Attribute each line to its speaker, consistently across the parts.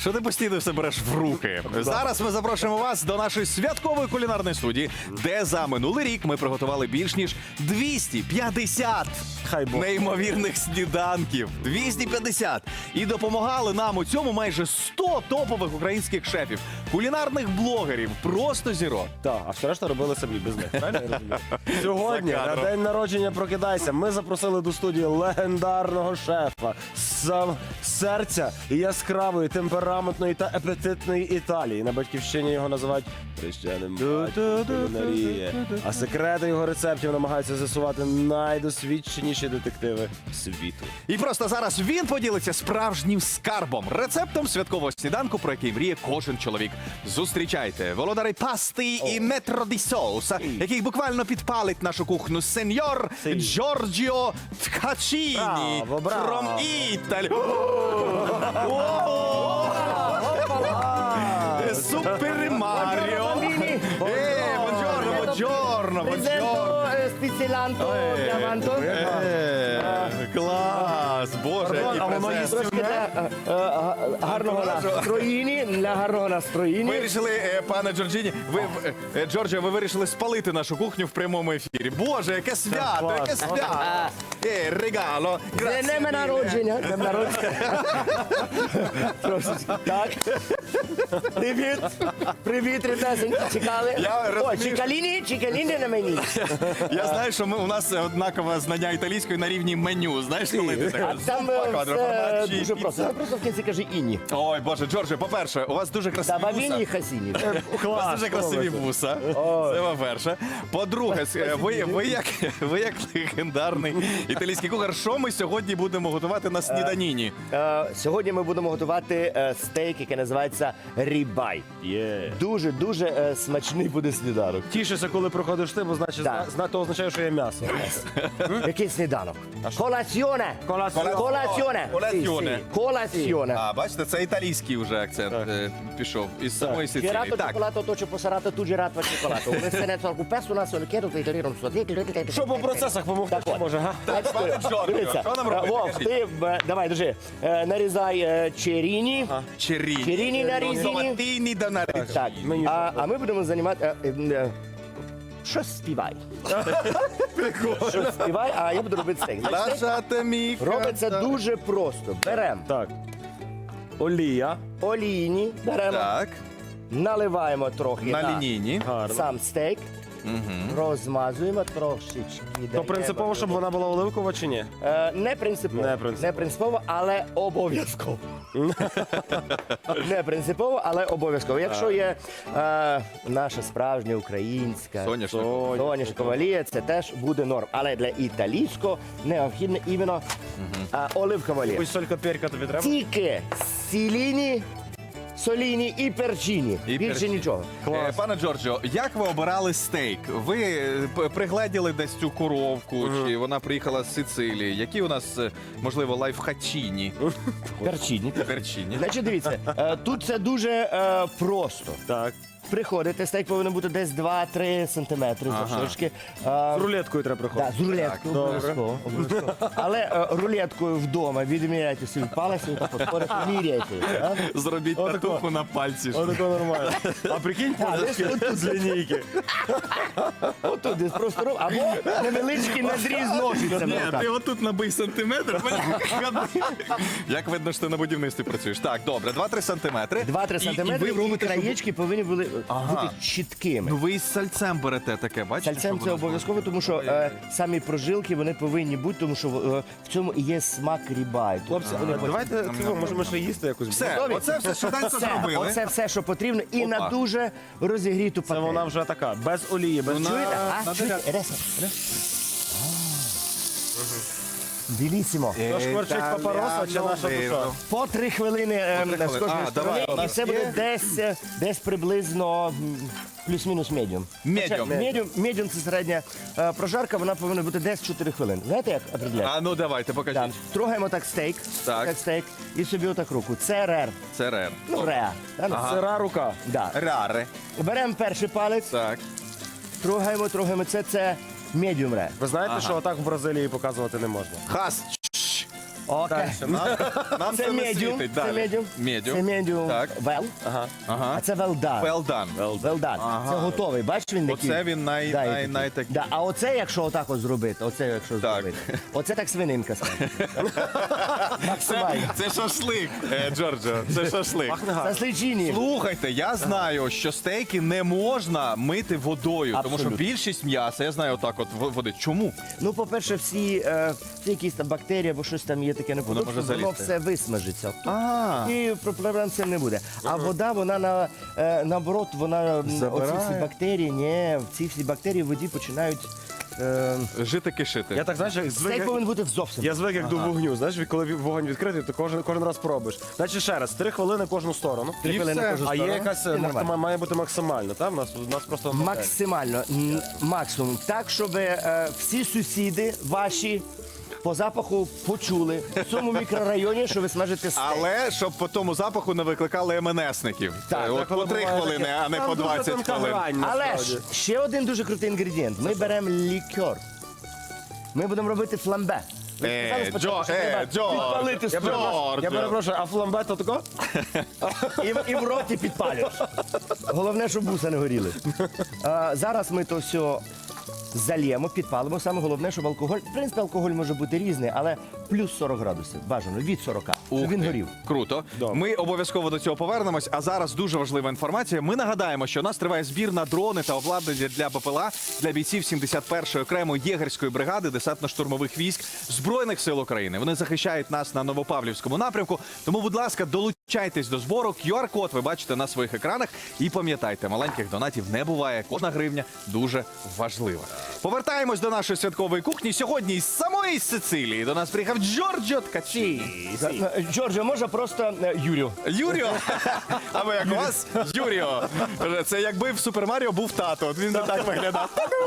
Speaker 1: Що ти постійно все береш в руки? Зараз ми запрошуємо вас до нашої святкової кулінарної студії, де за минулий рік ми приготували більш ніж 250 неймовірних сніданків. 250! І допомагали нам у цьому майже 100 топових українських шефів, кулінарних блогерів, просто зірок.
Speaker 2: Так, а все решта робили самі без них. Правильно я розумію? Сьогодні,
Speaker 1: За
Speaker 2: на
Speaker 1: кадром.
Speaker 2: день народження «Прокидайся», ми запросили до студії легендарного шефа з серця яскравої, темпераментної та апетитної Італії. На батьківщині його називають хрещеним батьком кулінарії. А секрети його рецептів намагаються з'ясувати найдосвідченіші детективи світу.
Speaker 1: І просто зараз він поділиться справжнім скарбом, рецептом святкового сніданку, про який мріє кожен чоловік. Зустрічайте володарі пасти і метро ді соуса, який буквально підпалить нашу кухню, сеньор Джорджіо Ткачіні.
Speaker 2: Браво, браво.
Speaker 1: From Italy. Супер Маріо. Buongiorno, buongiorno, buongiorno.
Speaker 3: Спеціаланто, діаманто.
Speaker 1: Клас, боже, який
Speaker 2: А воно
Speaker 1: презент.
Speaker 2: їсть
Speaker 3: Гарного настроїні, для гарного настроїні.
Speaker 1: Вирішили, пане Джорджіні, Джорджіо, ви вирішили спалити нашу кухню в прямому ефірі. Боже, яке свято, яке свято. Регало.
Speaker 3: Днем народження. Днем народження. Трошечки. Так. Привіт. Привіт, ребятеньки. Чекали.
Speaker 1: Я
Speaker 3: О,
Speaker 1: розумію,
Speaker 3: чекаліні на мені.
Speaker 1: Я знаю, що у нас однакове знання італійської на рівні меню. Знаєш, коли ти
Speaker 3: А
Speaker 1: так
Speaker 3: там все дуже просто. Ти просто в кінці кажи інні.
Speaker 1: Ой, Боже, Джорджіо, по-перше, у вас дуже красиві
Speaker 3: Та бавіні і
Speaker 1: вуса.
Speaker 3: хасіні.
Speaker 1: У вас дуже красиві вуса. Це по-перше. По-друге, ви як легендарний італійський кухар, що ми сьогодні будемо готувати на сніданіні?
Speaker 3: Сьогодні ми будемо готувати стейк, який називається рібай. Дуже смачний буде сніданок.
Speaker 2: Тішишся, коли проходиш ти, бо значить,
Speaker 3: Так.
Speaker 2: то означає, що є м'ясо.
Speaker 3: Який сніданок? Колаціоне.
Speaker 2: Колаціоне.
Speaker 3: Колаціоне.
Speaker 1: Колаціоне.
Speaker 3: Колаціоне.
Speaker 1: А, бачите, це італійський вже акцент пішов із самої Сицилії.
Speaker 3: Girato
Speaker 1: Так,
Speaker 3: cioccolato, toccio posarato, tu girato al cioccolato. Un esternetto al cupesso, una sola chiedo, ti non so.
Speaker 2: Щоб у процесах допомогти,
Speaker 3: Так от.
Speaker 2: може, га?
Speaker 1: пане Джорджіо,
Speaker 3: Дивіться,
Speaker 1: що нам робити?
Speaker 3: Вов,
Speaker 1: Кажіть.
Speaker 3: ти, давай, держи, нарізай черіні.
Speaker 1: Черіні.
Speaker 3: Черіні нарізані.
Speaker 1: Томатині да нарізані.
Speaker 3: Так,
Speaker 2: Мені
Speaker 3: а ми будемо займати... Щось співай. Щось співай, а я буду робити стейк. Значить, стейк
Speaker 1: Лашате мій
Speaker 3: робиться дуже просто. Беремо
Speaker 2: Так. Олія.
Speaker 3: олійні, беремо,
Speaker 1: Так,
Speaker 3: наливаємо трохи
Speaker 1: на лінійні.
Speaker 2: Гарно.
Speaker 3: сам стейк, розмазуємо трошечки.
Speaker 2: То принципово, щоб вона була оливкова чи ні?
Speaker 3: Не принципово.
Speaker 2: Не принципово.
Speaker 3: Не принципово, але обов'язково. Не принципово, але обов'язково. Якщо є наша справжня українська
Speaker 1: Соняшникова.
Speaker 3: соняшникова олія, це теж буде норм. Але для італійського необхідно іменно оливкова олія.
Speaker 2: Ось солька перка тобі треба?
Speaker 3: Тільки сіліні, соліні і перчині.
Speaker 1: І
Speaker 3: Більше
Speaker 1: перчині.
Speaker 3: нічого.
Speaker 1: Пане Джорджіо, як ви обирали стейк? Ви пригледіли десь цю коровку, чи вона приїхала з Сицилії? Які у нас, можливо, лайфхачіні?
Speaker 3: Перчині.
Speaker 1: Перчині.
Speaker 3: Значить, дивіться, тут це дуже просто.
Speaker 2: Так.
Speaker 3: Приходите, стейк повинен бути десь 2-3 сантиметри завширшки.
Speaker 2: З рулеткою треба приходити.
Speaker 3: Так, з рулеткою обов'язково. обов'язково. рулеткою вдома відміряйте свій палець і так фосфорити, міряйте.
Speaker 1: Зробіть татуху на пальці.
Speaker 2: Отако нормально. А прикинь, позначки з лінійки.
Speaker 3: Отут десь просто роб, або невеличкий надріз ножицями.
Speaker 1: Ні,
Speaker 3: отак.
Speaker 1: ти отут набий сантиметр. Як видно, що ти на будівництві працюєш. Так, добре, 2-3 сантиметри.
Speaker 3: 2-3 сантиметри
Speaker 1: ви
Speaker 3: і
Speaker 1: робите, щоб-
Speaker 3: краєчки повинні були бути чіткими.
Speaker 1: Ну ви із сальцем берете таке, бачите?
Speaker 3: Сальцем
Speaker 1: щоб
Speaker 3: це
Speaker 1: воно
Speaker 3: обов'язково, тому що самі прожилки вони повинні бути, тому що в цьому і є смак рібай.
Speaker 2: Хлопці, давайте цього, може ми ще їсти якусь.
Speaker 1: Все,
Speaker 3: Готові?
Speaker 1: оце все швиденько зробили.
Speaker 3: Оце все, що потрібно, і
Speaker 1: Опа.
Speaker 3: на дуже розігріту
Speaker 2: Це
Speaker 3: пательню.
Speaker 2: вона вже така, без олії, без
Speaker 1: Вона-
Speaker 3: Чуєте?
Speaker 1: на
Speaker 3: Чуєте? Реса. Білісімо.
Speaker 2: То шкварчить папороса чи наша душа?
Speaker 3: По 3 хвилини з
Speaker 1: хвилини.
Speaker 3: кожної
Speaker 1: А, давай, у
Speaker 3: сторони, і
Speaker 1: нас
Speaker 3: це буде
Speaker 1: є?
Speaker 3: десь приблизно плюс-мінус медіум.
Speaker 1: Медіум.
Speaker 3: Медіум це середня прожарка, вона повинна бути десь 4 хвилини. Знаєте, як определяти?
Speaker 1: А ну давайте,
Speaker 3: Так.
Speaker 1: покажіть.
Speaker 3: Трогаємо так стейк,
Speaker 1: Так.
Speaker 3: як стейк, і собі отак руку. Це рер.
Speaker 1: Це рер.
Speaker 3: Ну, реа.
Speaker 2: Сира рука.
Speaker 3: Да.
Speaker 1: Раре.
Speaker 3: Беремо перший палець,
Speaker 1: Так.
Speaker 3: трогаємо. Це медіум рер.
Speaker 2: Ви знаєте, що отак в Бразилії показувати не можна?
Speaker 1: Хас.
Speaker 3: Окей.
Speaker 1: Нам
Speaker 3: Це
Speaker 1: це не
Speaker 3: медіум.
Speaker 1: світить.
Speaker 3: Це
Speaker 1: Далі.
Speaker 3: медіум.
Speaker 1: Медіум.
Speaker 3: Це медіум.
Speaker 1: Так.
Speaker 3: Well.
Speaker 1: Ага.
Speaker 3: А це well done.
Speaker 1: Well done.
Speaker 3: Well done.
Speaker 1: Ага.
Speaker 3: Це готовий. Бачиш, він такий.
Speaker 1: Оце він най такий.
Speaker 3: Да. А оце, якщо отак от зробити, оце якщо
Speaker 1: Так.
Speaker 3: зробити. Оце так свининка стане. Максимально.
Speaker 1: Це шашлик, Джорджо. Це шашлик.
Speaker 3: Це сличині.
Speaker 1: Слухайте, я знаю, що стейки не можна мити водою, тому що
Speaker 3: Абсолютно.
Speaker 1: більшість м'яса, я знаю, отак от водить. Чому?
Speaker 3: Ну, по-перше, всі якісь там бактерії або щось там є таке неподобне,
Speaker 1: може
Speaker 3: воно
Speaker 1: залізти.
Speaker 3: все висмажиться.
Speaker 1: А,
Speaker 3: І проблем з цим не буде. А вода, вона наоборот, вона
Speaker 1: Забирає.
Speaker 3: оці всі бактерії, ні, ці всі бактерії в воді починають.
Speaker 1: жити кишити.
Speaker 2: Я так, знаєш, як звик,
Speaker 3: Стейк повинен бути зовсім.
Speaker 2: я звик як до вогню. Знаєш, коли вогонь відкритий, то кожен раз пробуєш. Значить, ще раз, 3 хвилини кожну сторону.
Speaker 3: 3 хвилини
Speaker 1: все.
Speaker 3: кожну
Speaker 2: А є
Speaker 3: сторону.
Speaker 2: якась,
Speaker 3: І нормально.
Speaker 2: має бути максимально, так? У нас просто...
Speaker 3: Максимально, максимум. Так, щоб всі сусіди ваші по запаху почули в цьому мікрорайоні, що ви смажите стейк.
Speaker 1: Але щоб по тому запаху не викликали МНСників.
Speaker 3: Так,
Speaker 1: От по 3 хвилини, а не по 20 хвилин.
Speaker 3: Але ж ще один дуже крутий інгредієнт. Ми беремо лікер. Ми будемо робити фламбе. Ви сказали спочатку, що треба підпалити
Speaker 2: Я
Speaker 1: Джорджо.
Speaker 2: перепрошую, а фламбе то тако?
Speaker 3: і в роті підпалюєш. Головне, щоб вуса не горіли. Зараз ми то все зальємо, підпалимо. Саме головне, щоб алкоголь, в принципі, алкоголь може бути різний, але плюс 40 градусів, бажано, від 40, щоб він горів.
Speaker 1: Круто.
Speaker 2: Добре.
Speaker 1: Ми обов'язково до цього повернемось. А зараз дуже важлива інформація. Ми нагадаємо, що у нас триває збір на дрони та обладнання для БПЛА для бійців 71-ї окремої єгерської бригади десантно-штурмових військ Збройних сил України. Вони захищають нас на Новопавлівському напрямку. Тому, будь ласка, долучайтесь до збору. QR-код ви бачите на своїх екранах. І пам'ятайте, маленьких донатів не буває. Кожна гривня дуже важлива. Повертаємось до нашої святкової кухні. Сьогодні із самої Сицилії до нас приїхав Джорджо Ткачі.
Speaker 3: Джорджо, може просто Юрію.
Speaker 1: Юріо? А ви як у вас? Юріо. Це якби в Супер Маріо був тато. От він не так виглядав.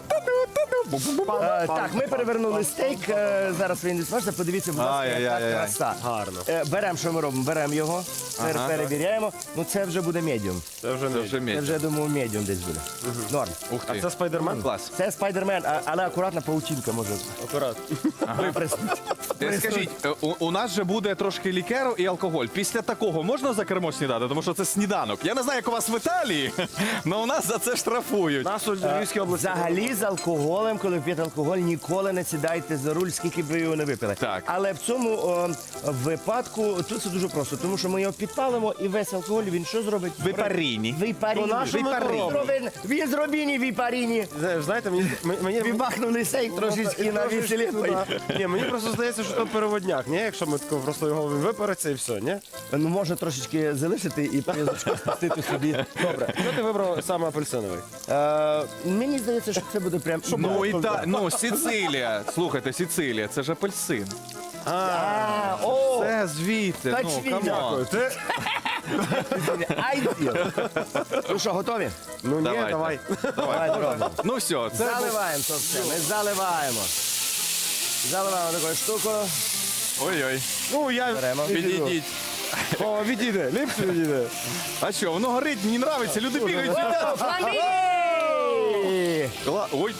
Speaker 3: Так, ми перевернули стейк. Зараз він відсмажиться. Подивіться, будь ласка, яка
Speaker 1: Ай-яй-яй-яй.
Speaker 3: краса.
Speaker 2: Гарно.
Speaker 3: Беремо, що ми робимо? Беремо його,
Speaker 1: Ага.
Speaker 3: перевіряємо. Ну це вже буде медіум.
Speaker 2: Це вже
Speaker 1: Це
Speaker 2: не.
Speaker 1: вже
Speaker 3: Це
Speaker 1: мідь.
Speaker 3: вже, думаю, медіум десь буде. Норм.
Speaker 1: Ух
Speaker 2: А
Speaker 1: ти.
Speaker 2: це Спайдермен?
Speaker 1: Клас.
Speaker 3: Це спайдермен, але акуратна паутинка може.
Speaker 2: Акурат.
Speaker 1: Скажіть, у нас же буде трошки лікеру і алкоголь. Після такого можна за кермо снідати? Тому що це сніданок. Я не знаю, як у вас в Італії, але у нас за це штрафують.
Speaker 2: Нас у Львівській області.
Speaker 3: Взагалі з алкоголем, коли п'єте алкоголь, ніколи не сідайте за руль, скільки б ви його не випили.
Speaker 1: Так.
Speaker 3: Але в цьому випадку тут це дуже просто, тому що ми його підпалимо і весь алкоголь він що зробить?
Speaker 1: Випаріні.
Speaker 3: Випаріні.
Speaker 2: То на що ми то робимо?
Speaker 3: Він зробіні випаріні.
Speaker 2: Знаєте, мені
Speaker 3: Вибахнули сейк трошечки на веселі.
Speaker 2: Ні, мені просто здається, що то переводняк, ні? Якщо ми тако просто його випариться і все, ні?
Speaker 3: Ну, можна трошечки залишити і пізочку спустити собі.
Speaker 2: Добре. Що ти вибрав саме апельсиновий?
Speaker 3: Мені здається, що це буде прям...
Speaker 1: Ну, Сицилія. Слухайте, Сицилія, це ж апельсин.
Speaker 3: О,
Speaker 1: Це звідти. Ну,
Speaker 3: Качвіня.
Speaker 1: камон.
Speaker 2: Ти?
Speaker 3: айділ. Ну що, готові?
Speaker 2: Ну ні,
Speaker 1: Давайте.
Speaker 2: давай.
Speaker 3: Давай, робимо.
Speaker 1: Ну все, це
Speaker 3: Заливаємо то все, ми заливаємо. Заливаємо такою штукою.
Speaker 1: ой-ой.
Speaker 2: Ну, я...
Speaker 3: Беремо.
Speaker 1: Підійдіть.
Speaker 2: О, відійде, ліпше відійде.
Speaker 1: А що, воно горить, мені подобається, люди бігають.
Speaker 3: О, фламбі!
Speaker 1: Ой.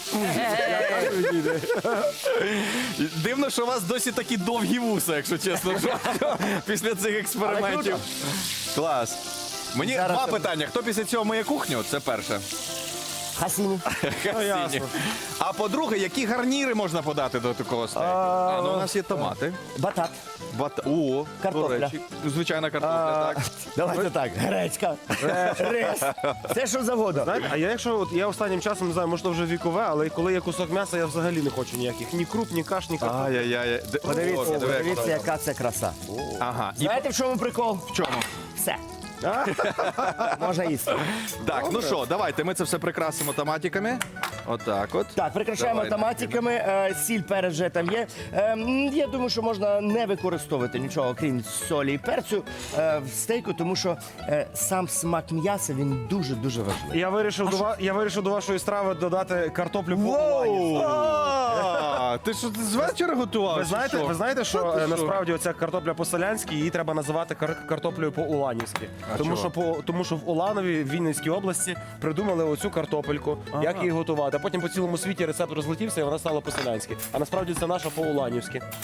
Speaker 1: Дивно, що у вас досі такі довгі вуса, якщо чесно. Після цих експериментів. Клас. Мені
Speaker 3: Зараз
Speaker 1: два
Speaker 3: це-
Speaker 1: питання. Хто після цього миє кухню? Це перше.
Speaker 3: Хасіні.
Speaker 2: ясно.
Speaker 1: А по-друге, які гарніри можна подати до такого стейку? Ну у нас є томати.
Speaker 3: Батат.
Speaker 1: О,
Speaker 3: Картопля.
Speaker 1: до речі, звичайна картопля, так.
Speaker 3: Давайте так. Гречка. Рис. Все, що завгодно.
Speaker 2: Знаєте, а я якщо от я останнім часом не знаю, може то вже вікове, але коли є кусок м'яса, я взагалі не хочу ніяких ні круп, ні каш, ні картоплі.
Speaker 1: Ай-яй-яй.
Speaker 3: Подивіться,
Speaker 1: Диви, як
Speaker 3: подивіться,
Speaker 1: воно.
Speaker 3: яка це краса.
Speaker 1: Ага. І
Speaker 3: Знаєте, в чому прикол?
Speaker 1: в чому?
Speaker 3: Все. Можна їсти.
Speaker 1: Так, ну що, давайте ми це все прикрасимо томатиками. Отак от.
Speaker 3: Так, прикрашаємо
Speaker 1: Давай,
Speaker 3: томатиками, сіль, перець вже там є. Я думаю, що можна не використовувати нічого, крім солі і перцю в стейку, тому що сам смак м'яса, він дуже-дуже важливий.
Speaker 2: Я вирішив до вашої страви додати картоплю по-уланівськи.
Speaker 1: Ти що з вечора готував?
Speaker 2: Ви знаєте, що
Speaker 1: ти що?
Speaker 2: насправді оця картопля по-селянськи, її треба називати картоплею по-уланівськи. Тому що в Уланові, в Вінницькій області, придумали оцю картопельку, як її готувати. А потім по цілому світі рецепт розлетівся і вона стала по-селянськи. А насправді це наша по-уланівськи.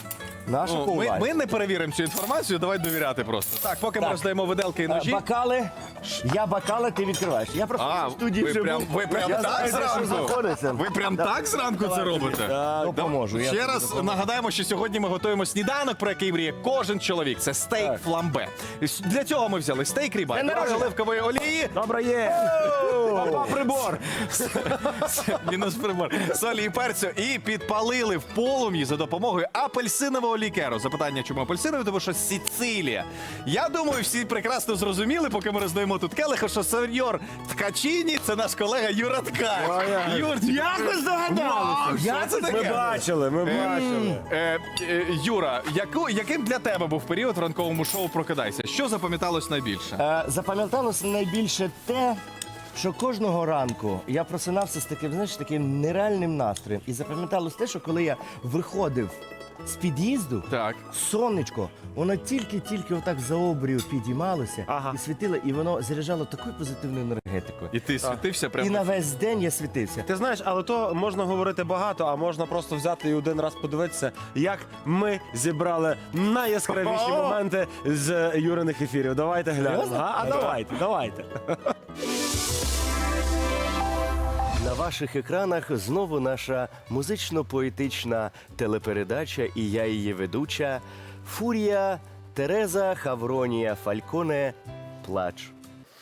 Speaker 3: Наша
Speaker 1: Ну,
Speaker 3: ковбаса.
Speaker 1: ми не перевіримо цю інформацію, давай довіряти просто. Так, поки ми
Speaker 3: Так.
Speaker 1: роздаємо виделки і ножі.
Speaker 3: Бокали. Я бокали, ти відкриваєш. Я просто в студії
Speaker 1: ви
Speaker 3: живу.
Speaker 1: прям
Speaker 3: Я
Speaker 1: так
Speaker 3: знаю, де що
Speaker 1: зранку?
Speaker 3: знаходиться.
Speaker 1: Ви прям так зранку це робите?
Speaker 3: Допоможу. я
Speaker 1: Ще
Speaker 3: тобі
Speaker 1: раз
Speaker 3: допоможу.
Speaker 1: нагадаємо, що сьогодні ми готуємо сніданок, про який мріє кожен чоловік. Це стейк фламбе. Для цього ми взяли стейк ріба,
Speaker 3: День
Speaker 1: трохи
Speaker 3: народження.
Speaker 1: оливкової олії,
Speaker 2: Добре є. Папа, прибор.
Speaker 1: мінус прибор, солі і перцю, і підпалили в полум'ї за допомогою апельсинового лікеру. Запитання, чому апельсиновий? Тому що Сицилія. Я думаю, всі прекрасно зрозуміли, поки ми роздаємо тут келиха, що сеньор Ткачіні – це наш колега Юра Ткач. Юрчик.
Speaker 3: Як ви здогадалися?
Speaker 1: Що це
Speaker 2: Ми
Speaker 1: таке?
Speaker 2: бачили, ми бачили.
Speaker 1: Юра, яким для тебе був період в ранковому шоу «Прокидайся»? Що запам'яталось найбільше?
Speaker 3: Запам'яталося найбільше те, що кожного ранку я просинався з таким, знаєш, таким нереальним настроєм. І запам'яталось те, що коли я виходив з під'їзду,
Speaker 1: Так.
Speaker 3: сонечко, воно тільки-тільки отак за обрію підіймалося
Speaker 2: Ага.
Speaker 3: і світило, і воно заряджало такою позитивною енергетикою.
Speaker 1: І ти світився
Speaker 3: І
Speaker 1: прямо?
Speaker 3: на весь день я світився.
Speaker 2: Ти знаєш, але то можна говорити багато, а можна просто взяти і один раз подивитися, як ми зібрали найяскравіші моменти з Юриних ефірів. Давайте глянемо.
Speaker 3: Серйозно?
Speaker 2: А давайте.
Speaker 3: На ваших екранах знову наша музично-поетична телепередача, і я її ведуча Фурія Тереза Хавронія Фальконе Плач.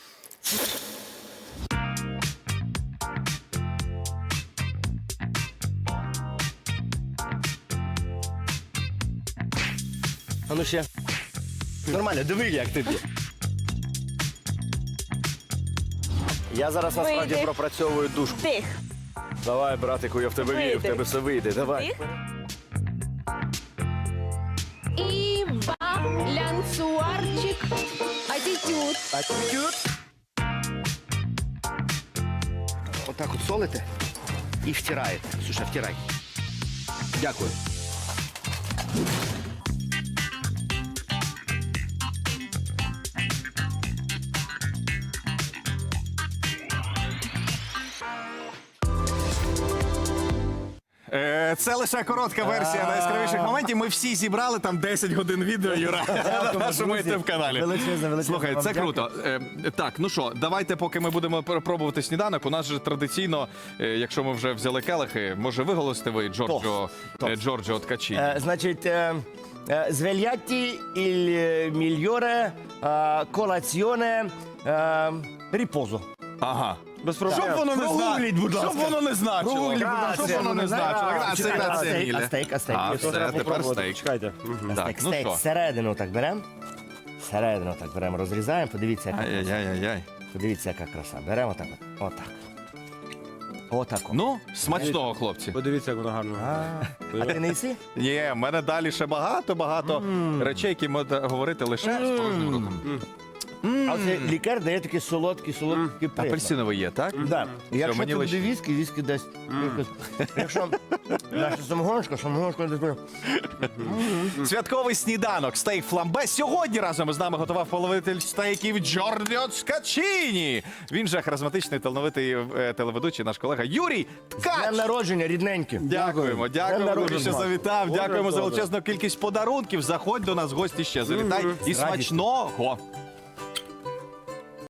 Speaker 3: А ну ще. Нормально, диви, як тобі. Я зараз насправді
Speaker 4: Вийди.
Speaker 3: пропрацьовую душку.
Speaker 4: Тих.
Speaker 3: Давай, братику, я в тебе вірю, в
Speaker 4: Вийди.
Speaker 3: тебе все вийде. Давай.
Speaker 4: Тих.
Speaker 5: І балянсуарчик, атітюд.
Speaker 3: Отак от солите і втираєте. Слушай, втирай. Дякую.
Speaker 1: Це лише коротка версія найяскравіших моментів. Ми всі зібрали там 10 годин відео, Юра, на нашому
Speaker 3: друзі.
Speaker 1: ютуб-каналі.
Speaker 3: Величезне
Speaker 1: Слухай,
Speaker 3: вам
Speaker 1: це
Speaker 3: дякую.
Speaker 1: круто. Так, ну що, давайте, поки ми будемо пробувати сніданок, у нас же традиційно, якщо ми вже взяли келихи, може виголосите ви Джорджо Ткачі?
Speaker 3: Значить, звельятті іль мільйоре колаціоне ріпозо.
Speaker 1: Ага.
Speaker 2: Без проблем.
Speaker 1: Щоб воно не
Speaker 3: Прогугліть, будь ласка.
Speaker 1: Щоб воно не значило.
Speaker 3: Прогугліть, будь ласка.
Speaker 1: Щоб воно не значило. Грація, грація, міле.
Speaker 3: А стейк.
Speaker 1: А,
Speaker 2: То
Speaker 1: все,
Speaker 2: треба
Speaker 1: тепер
Speaker 2: попробувати.
Speaker 1: стейк.
Speaker 2: Чекайте. Мгм.
Speaker 1: Так, ну
Speaker 3: Стейк
Speaker 1: що?
Speaker 3: всередину так беремо. Всередину так беремо, розрізаємо. Подивіться, яка краса.
Speaker 1: Ай-яй-яй-яй.
Speaker 3: Подивіться, яка краса. Беремо так от. Отак. Отак. от.
Speaker 1: Ну, смачного, хлопці.
Speaker 2: Подивіться, як воно гарно.
Speaker 3: А ти не їси?
Speaker 1: Ні, в мене далі ще багато речей, які можна говорити лише з порожнім ротом.
Speaker 3: А оцей лікар дає такий солодкий присмак.
Speaker 1: Апельсиновий є, так?
Speaker 3: Да. Якщо
Speaker 1: мені
Speaker 3: це
Speaker 1: лише-
Speaker 3: буде віскі дасть. Якщо наша самогоночка дає.
Speaker 1: Святковий сніданок стейк фламбе. Сьогодні разом із нами готував половитель стейків Джорджо Ткачіні. Він же харизматичний талановитий телеведучий, наш колега Юрій
Speaker 3: Днем
Speaker 1: Ткач.
Speaker 3: народження, рідненькі.
Speaker 1: Дякуємо, дякуємо,
Speaker 3: Днем
Speaker 1: дуже, що
Speaker 3: народження.
Speaker 1: завітав.
Speaker 2: Боже,
Speaker 1: Дякуємо за
Speaker 2: добре.
Speaker 1: величезну кількість подарунків. Заходь до нас в гості ще. Завітай і
Speaker 3: радістю.
Speaker 1: смачного.